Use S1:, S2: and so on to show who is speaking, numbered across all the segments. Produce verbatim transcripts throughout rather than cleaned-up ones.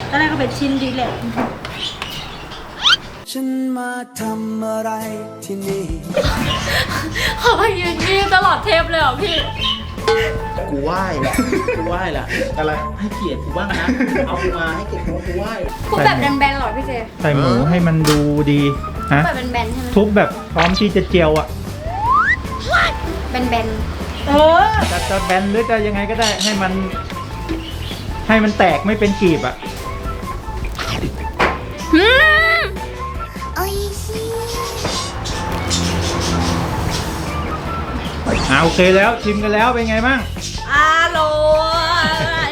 S1: ตอนแรกก็เป็นชิ้นดีแหละ
S2: ฉันมาทำอะไรที่นี่
S3: เขาไปยืนยิ้มตลอดเทปเลยเหรอพี่
S4: กูไหว้แหละกูไหว้แหละอะไรให้เกียรติกูบ้างนะเอากูมาให้เกียรติกูไหว้
S3: ทุบแบบแบนๆหรอพี่เจ
S5: ใส่หมูให้มันดูดีฮะ
S3: แบบแบนๆใช่ไหม
S5: ทุบแบบพร้อมที่จะเจียวอ่ะ
S3: แบน
S1: ๆเออ
S5: จะจะแบนหรือจะยังไงก็ได้ให้มันให้มันแตกไม่เป็นกลีบอ่ะ
S3: อืม
S5: โอ้ยอ่าโอเคแล้วชิมกันแล้วเป็นไงบ้าง
S1: อร่อย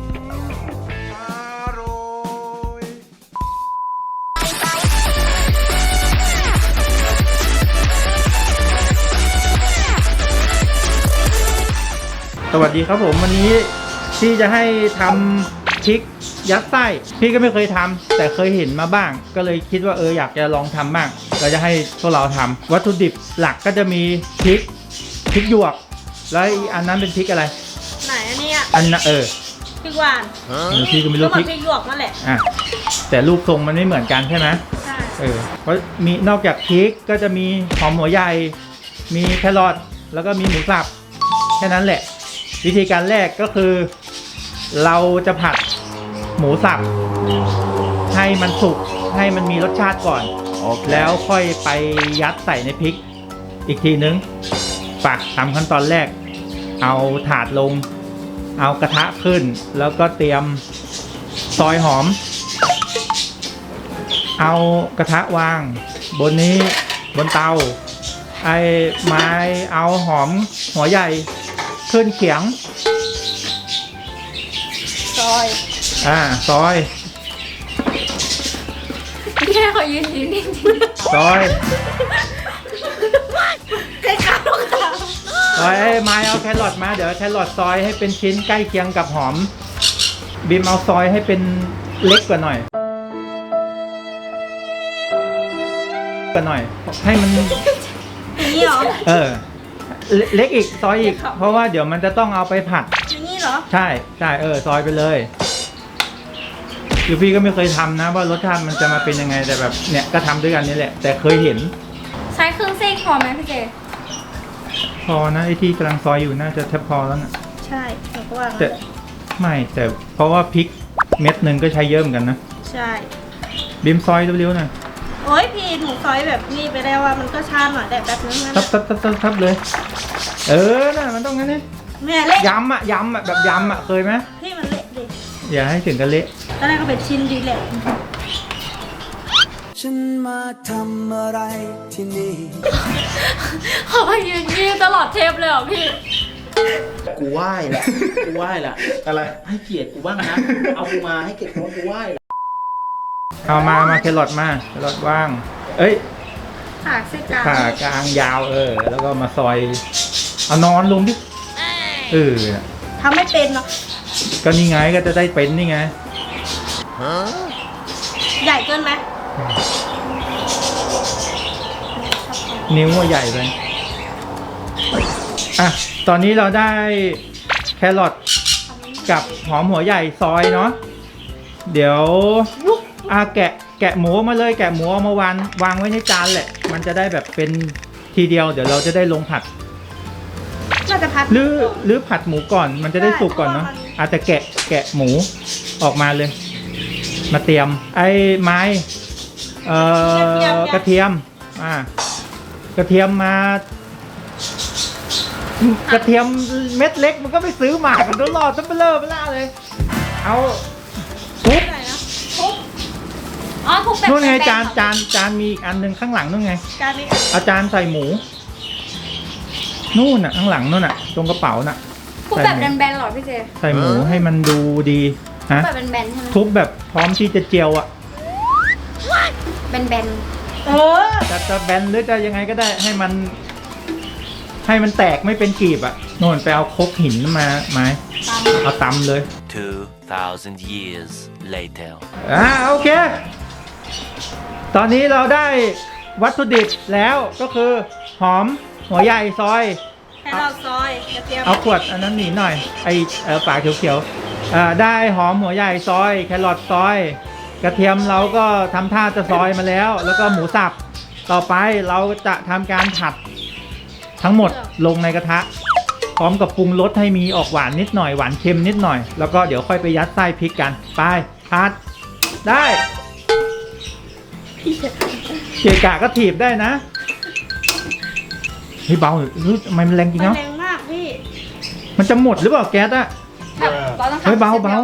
S5: สวัสดีครับผมวันนี้ที่จะให้ทำพริกยัดไส้พี่ก็ไม่เคยทำแต่เคยเห็นมาบ้างก็เลยคิดว่าเอออยากจะลองทำบ้างเราจะให้พวกเราทำวัตถุดิบหลักก็จะมีพริกพริกหยวกแล้วอันนั้นเป็นพริกอะไร
S1: ไหนอันนี้อ่ะ
S5: อันนั้นเออ
S1: พริกหวาน
S5: เออพี่ก็ไม่รู้
S1: พริกพริกหยวกนั่นแหละ
S5: อ่ะแต่รูปทรงมันไม่เหมือนกันใช่ไหม
S1: ใช่
S5: เออเพราะมีนอกจากพริกก็จะมีหอมหัวใหญ่มีแครอทแล้วก็มีหมูสับแค่นั้นแหละวิธีการแรกก็คือเราจะผัดหมูสับให้มันสุกให้มันมีรสชาติก่อน okay. แล้วค่อยไปยัดใส่ในพริกอีกทีนึงปักทำขั้นตอนแรกเอาถาดลงเอากระทะขึ้นแล้วก็เตรียมซอยหอมเอากระทะวางบนนี้บนเตาไอ้ไม้เอาหอมหัวใหญ่ขึ้นเขียง
S1: ซอย
S5: อ่าซอย
S3: แค่เขายืนยืนนิ่ง
S5: ซอย
S1: ใกล้ข้าวค่ะ
S5: ซอยไอ้ไม้เอาแครอทมาเดี๋ยวแครอทซอยให้เป็นชิ้นใกล้เคียงกับหอมบีมเอาซอยให้เป็นเล็กกว่าหน่อยกว่าหน่อยให้มัน
S1: อย่างนี้เหรอ
S5: เออเล็กอีกซอยอีกเพราะว่าเดี๋ยวมันจะต้องเอาไปผัด
S1: อย่างนี้เหรอ
S5: ใช่ใช่เออซอยไปเลยคือพี่ก็ไม่เคยทำนะว่ารสชาติมันจะมาเป็นยังไงแต่แบบเนี่ยก็ทำด้วยกันนี่แหละแต่เคยเห็น
S3: ใช้เครื่องเส้นพอไหมพี่เจ
S5: พอนะไอที่กำลังซอยอยู่น่าจะแทบพอแล้วนะ
S1: ใช่เพราะว่า
S5: แต่ไม่แต่เพราะว่าพริกเม็ดหนึ่งก็ใช้เยอะเหมือนกันนะ
S1: ใช่
S5: บิมซอยเร็วๆหน่อย
S1: โอ้ยพี่หนูซอยแบบนี้ไปแล้วว่ามันก็ช้าหน่อยแต่แบบนึงนะ
S5: ทับทับทับทับทับเลยเออน่ะมันต้องงั้นนี่
S1: แม่เละ
S5: ยำอ่ะยำอ่ะแบบยำอ่ะเคยไหม
S1: พี่มันเละดิ
S5: อย่าให้ถึงกันเละ
S1: ตอนแรกก็เป็นชิ้นดีแหละ
S2: ฉันมาทำอะไรที่นี่
S3: เขาไปยืนยิ้มตลอดเทปเลยเหรอพี่
S4: กูไหว้แหละกูไหว้แหละอะไรให้เกียรติกูบ้างนะเอากูมาให้เกียรติกูกูไหว้
S5: เอามามาแครอทมาแครอทว่างเอ้ย
S1: ผ่าเส้นกลาง
S5: ผ่ากลางยาวเออแล้วก็มาซอยเอานอนลงดิเออ
S1: ทำไม่เป็นเนาะ
S5: ก็นี่ไงก็จะได้เป็นนี่ไง
S1: ใหญ่เกินไหม
S5: นิ้วว่าใหญ่ไปอ่ะตอนนี้เราได้แครอทกับหอมหัวใหญ่ซอยเนาะเดี๋ยวอ่ะแกะแกะหมูมาเลยแกะหมูเอามาวางวางไว้ในจานแหละมันจะได้แบบเป็นทีเดียวเดี๋ยวเราจะได้ลงผัด
S1: น่าจะผัด
S5: หรือหรือผัดหมูก่อนมันจะได้สุกก่อนเนาะอาจจะแกะแกะหมูออกมาเลยมาเตรียมไอ้ไม้เอ่อกระเทียมอ่ากระเทียมมากระเทียมเม็ดเล็กมันก็ไปซื้อมากันตลอดตั้งเบลอเบล่าเลยเอาทุบ
S3: อ๋อทุบแบบ
S5: นู่นไงจานจานจานมีอีกอันหนึ่งข้างหลังนู่นไง
S1: จานนี้
S5: เอาจารย์ใส่หมูนู่นน่ะข้างหลังนู่นน่ะตรงกระเป๋าน่ะ
S3: ทุบแบบแบนๆหรอพี่เจ
S5: ใส่หมูให้มันดูดีฮะ
S3: แบบแบนๆใช่ไหม
S5: ทุบแบบพร้อมที่จะเจียวอ่ะ
S3: แบน
S1: ๆเออ
S5: จะจะแบนหรือจะยังไงก็ได้ให้มันให้มันแตกไม่เป็นกลีบอ่ะโน่นไปเอาคบหินมาไหมเอาตำเลย
S6: two thousand years later
S5: อ่าโอเคตอนนี้เราได้วัตถุดิบแล้วก็คือหอมหัวใหญ่ซอย
S1: ให้เราซอยกระเทียม
S5: เอาขวดอันนั้นหนีหน่อยไอเออปากเขียวๆอ่าได้หอมหัวใหญ่ซอยแครอทซอย กระเทียมเราก็ทำท่าจะซอยมาแล้ว แล้วก็หมูสับต่อไปเราจะทำการผัดทั้งหมดลงในกระทะ พร้อมกับปรุงรสให้มีออกหวานนิดหน่อยหวานเค็มนิดหน่อยแล้วก็เดี๋ยวค่อยไปยัดไส้พริกกันไปผัดได้เกะกะก็ถีบได้นะเฮ้ยเบาหรือทำไมมันแรงจริง
S1: มัน
S5: เนาะ
S1: แรงมากพี่
S5: มันจะหมดหรือเปล่าแก๊สอะ
S3: แบบเราต้องทำ
S5: เฮ้ยเบาเบา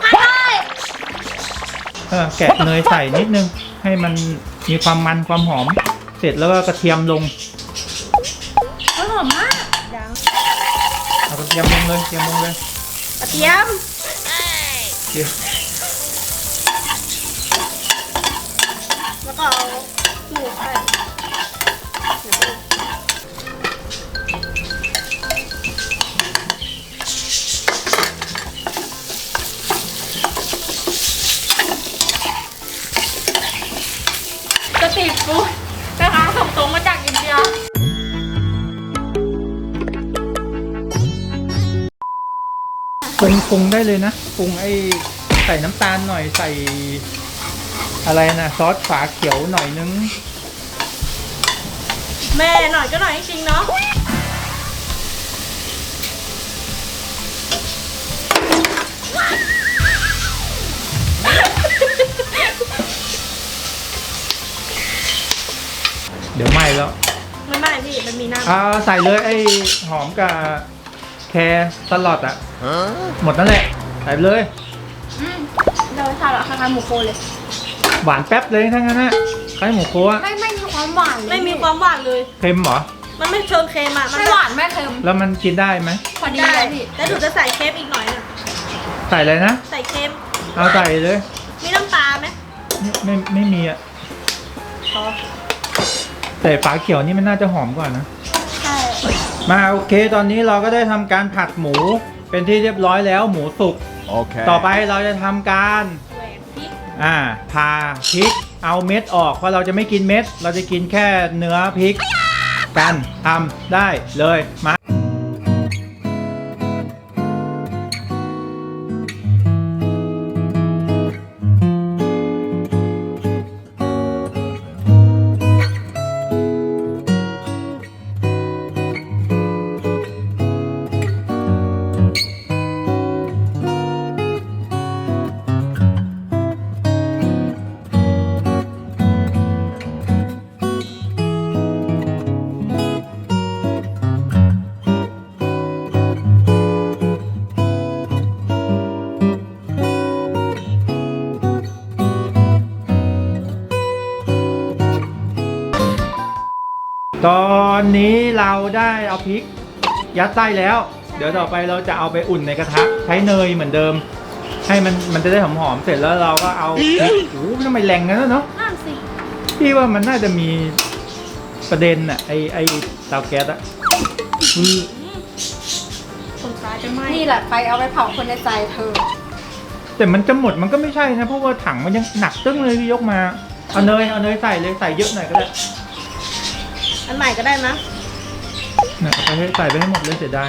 S5: เออแกะเนยใส่นิดนึงให้มันมีความมันความหอมเสร็จแล้วก็กระเทียมลง
S3: เฮ้ยหอมมาก
S1: ยัง
S5: เอากระเทียมลงเลยกระเทียมลงเลย
S1: กระเทียม
S5: เดี๋ยว
S1: แล้วก็เอาหมูใส่
S3: สตรีทฟู้ดนะคะส่งตรงมาจากอินเดีย
S5: ปรุงปรุงได้เลยนะปรุงไอ้ใส่น้ำตาลหน่อยใส่อะไรนะซอสฝาเขียวหน่อยนึง
S1: แม่หน่อยก็หน่อยจริงๆเนาะ
S5: เดี๋ยวไหม้แล้ว
S1: ไม่ไม่พี่มันมีน้ำ
S5: อ่าใส่เลยไอ้หอมกับแครสลัดอ่ะหมดนั่นแหละใส่ไปเลย
S3: อืมเราทานแบบคล้ายๆหมูโคเลย
S5: หวานแป๊บเลยทั้งนั้นนะคล้ายหมูโคอะ
S3: ไม่ไม่มีความหวานเลย
S1: ไม่มีความหวานเลย
S5: เค็มเหรอ
S1: มันไม่เชิงเค็มอ่ะ มัน
S3: ไม่หวานไม่เค็ม
S5: แล้วมันกินได้ไหม
S3: พอดี
S1: ได้
S3: เลยพี่
S1: แล้วหนูจะใส่เค็มอีกหน่อยนึง
S5: ใส่เลยนะ
S1: ใส่เค็ม
S5: เอาใส่เลย
S1: มีน้ำตาลไหม
S5: ไม่ไม่ไม่มีอ่ะ
S1: พอ
S5: แต่ฝาเขียวนี่มันน่าจะหอมกว่านะ
S1: ใช่
S5: มาโอเคตอนนี้เราก็ได้ทำการผัดหมูเป็นที่เรียบร้อยแล้วหมูสุก
S6: Okay.
S5: ต่อไปเราจะทำการ
S1: แหวนพริก
S5: อ่าพาพริกเอาเม็ดออกเพราะเราจะไม่กินเม็ด เราจะกินแค่เนื้อพริกกันทำได้เลยมาตอนนี้เราได้เอาพริกยัดไส้แล้ว เดี๋ยวต่อไปเราจะเอาไปอุ่นในกระทะใช้เนยเหมือนเดิม ให้มันมันจะได้หอมๆเสร็จแล้วเราก็เอาพริกโอ้โหทำไมแรงงั้นนะเนาะ
S1: นั่นสิ
S5: พี่ว่ามันน่าจะมีประเด็นอะไอไอเตาแก๊สอะคือ
S1: คนตายจะไหม
S3: นี่แหละไปเอาไปเผาคนในใจเธอ
S5: แต่มันจะหมดมันก็ไม่ใช่นะเพราะว่าถังมันยังหนักตึ้งเลยที่ยกมาเอาเนยเอาเนยใส่เลยใส่เยอะหน่อยก็ได้
S1: อันใหม่ก็ได้นะ
S5: เนี่ยเอาไปให้ใส่ไปให้หมดเลยเสียดาย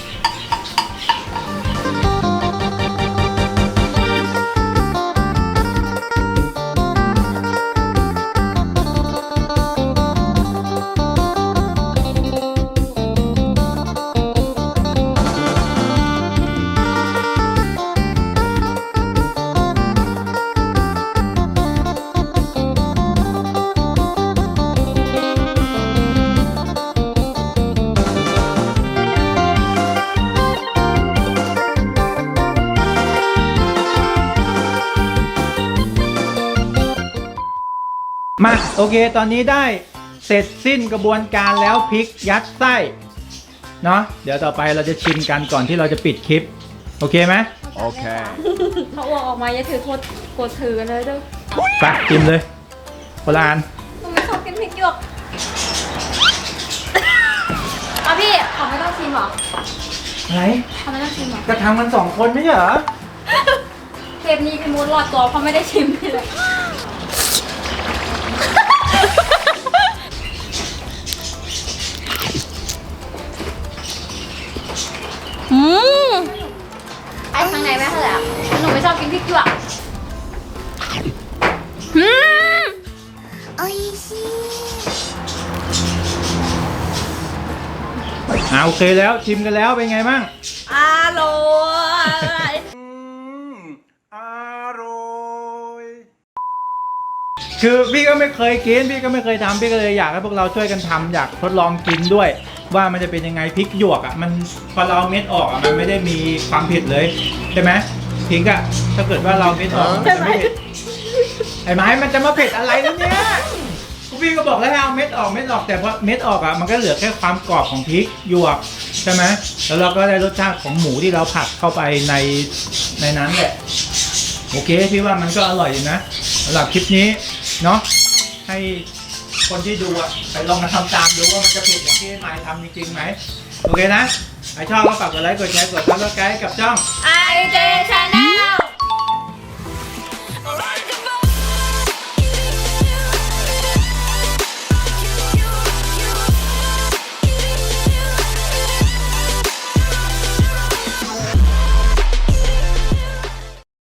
S5: มาโอเคตอนนี้ได้เสร็จสิ้นกระบวนการแล้วพริกยัดไส้เนาะเดี๋ยวต่อไปเราจะชิมกันก่อนที่เราจะปิดคลิปโอเคไหม
S6: Okay.
S3: เขาอ้วกออกมาอย่าถือโทษกดถือกันเลยเด้อ
S5: ไปชิมเลยโบราณ
S3: หนูไม่ชอบกินพริกหยวกเอาพี่เขาไม่ต้องชิมหรอ
S5: อะไร
S3: เขาไม่ต้องชิมหรอ
S5: ก็ทำกันสองคนไม่ใช่เหรอ
S3: เทปนี้พี่มูดรอดตัวเพราะไม่ได้ชิมเลย
S1: อืม
S3: ไอ้ครั้งางในไม่เท่าไหร่อะหนูไม่ชอบกินพริกหยวกอืม
S5: อ่าโอเคแล้วชิมกันแล้วเป็นไงบ้าง
S1: อร่อย
S5: อร่อยคือพี่ก็ไม่เคยกินพี่ก็ไม่เคยทำพี่ก็เลยอยากให้พวกเราช่วยกันทำอยากทดลองกินด้วย ว่ามันจะเป็นยังไงพริกหยวกอ่ะมันพอเราเอาเม็ดออกอ่ะมันไม่ได้มีความเผ็ดเลยใช่ไหมพิงก์อ่ะถ้าเกิดว่าเราเม็ดออกมันจะไม่เผ็ดไอ้ไม้มันจะมาเผ็ดอะไรแล้วเนี่ยพี่ก็บอกแล้วให้เอาเม็ดออกเม็ดออกแต่พอเม็ดออกอ่ะมันก็เหลือแค่ความกรอบของพริกหยวกใช่ไหมแล้วเราก็ได้รสชาติของหมูที่เราผัดเข้าไปในในนั้นแหละโอเคพี่ว่ามันก็อร่อยอยู่นะสำหรับคลิปนี้เนาะให้คนที่ดูอ่ะไปลองมาทำตามดูว่ามันจะเผ็ดอย่างที่ไม้ทำจริงๆไหมโอเคนะใครชอบก็ฝากกดไลค์กดแชร์กดซับสไครต์กับช่อง
S3: ไอเจ Channel